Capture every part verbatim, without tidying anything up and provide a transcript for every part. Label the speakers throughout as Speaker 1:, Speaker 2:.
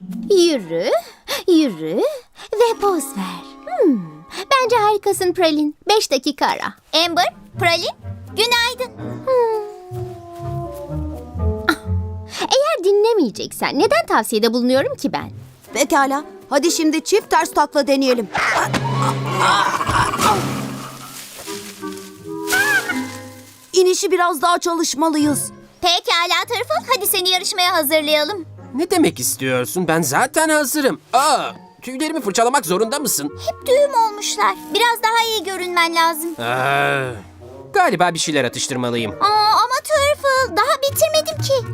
Speaker 1: Yürü, yürü ve poz ver. Hmm, bence harikasın Pralin. Beş dakika ara.
Speaker 2: Amber, Pralin, günaydın.
Speaker 1: Eğer dinlemeyeceksen neden tavsiyede bulunuyorum ki ben?
Speaker 3: Pekala. Hadi şimdi çift ters takla deneyelim. İnişi biraz daha çalışmalıyız.
Speaker 2: Pekala Tırfıl, hadi seni yarışmaya hazırlayalım.
Speaker 4: Ne demek istiyorsun? Ben zaten hazırım. Aa, tüylerimi fırçalamak zorunda mısın?
Speaker 2: Hep düğüm olmuşlar. Biraz daha iyi görünmen lazım.
Speaker 4: Aa, galiba bir şeyler atıştırmalıyım.
Speaker 2: Aa, ama Tırfıl, daha bitirmedim ki.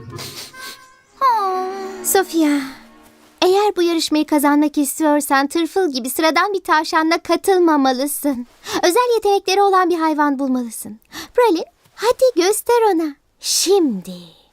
Speaker 2: Aa.
Speaker 1: Sofia, eğer bu yarışmayı kazanmak istiyorsan tırfıl gibi sıradan bir tavşanla katılmamalısın. Özel yetenekleri olan bir hayvan bulmalısın. Pralin, hadi göster ona. Şimdi.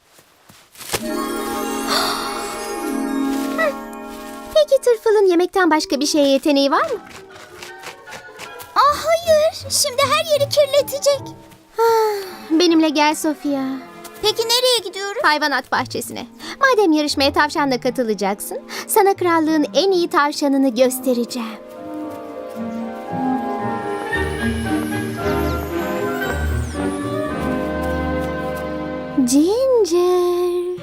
Speaker 1: Hı. Peki tırfılın yemekten başka bir şeye yeteneği var mı?
Speaker 2: Aa, hayır, şimdi her yeri kirletecek.
Speaker 1: Benimle gel Sofia.
Speaker 2: Peki nereye gidiyoruz?
Speaker 1: Hayvanat bahçesine. Madem yarışmaya tavşanla katılacaksın, sana krallığın en iyi tavşanını göstereceğim. Ginger.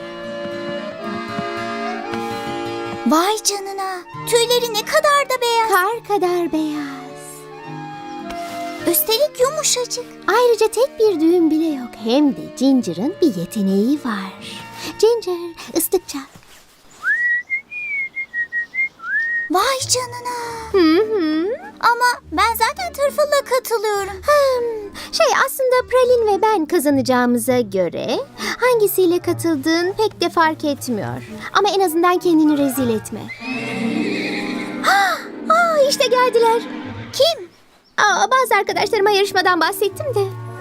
Speaker 2: Vay canına, tüyleri ne kadar da beyaz.
Speaker 1: Kar kadar beyaz.
Speaker 2: Üstelik yumuşacık.
Speaker 1: Ayrıca tek bir düğüm bile yok. Hem de Ginger'ın bir yeteneği var. Ginger, ıslık çal.
Speaker 2: Vay canına.
Speaker 1: Hı hı.
Speaker 2: Ama ben zaten Tırfıl'la katılıyorum.
Speaker 1: Hmm, şey aslında Pralin ve ben kazanacağımıza göre hangisiyle katıldığın pek de fark etmiyor. Ama en azından kendini rezil etme. Aa, işte geldiler.
Speaker 2: Kim?
Speaker 1: Aa, bazı arkadaşlarıma yarışmadan bahsettim de.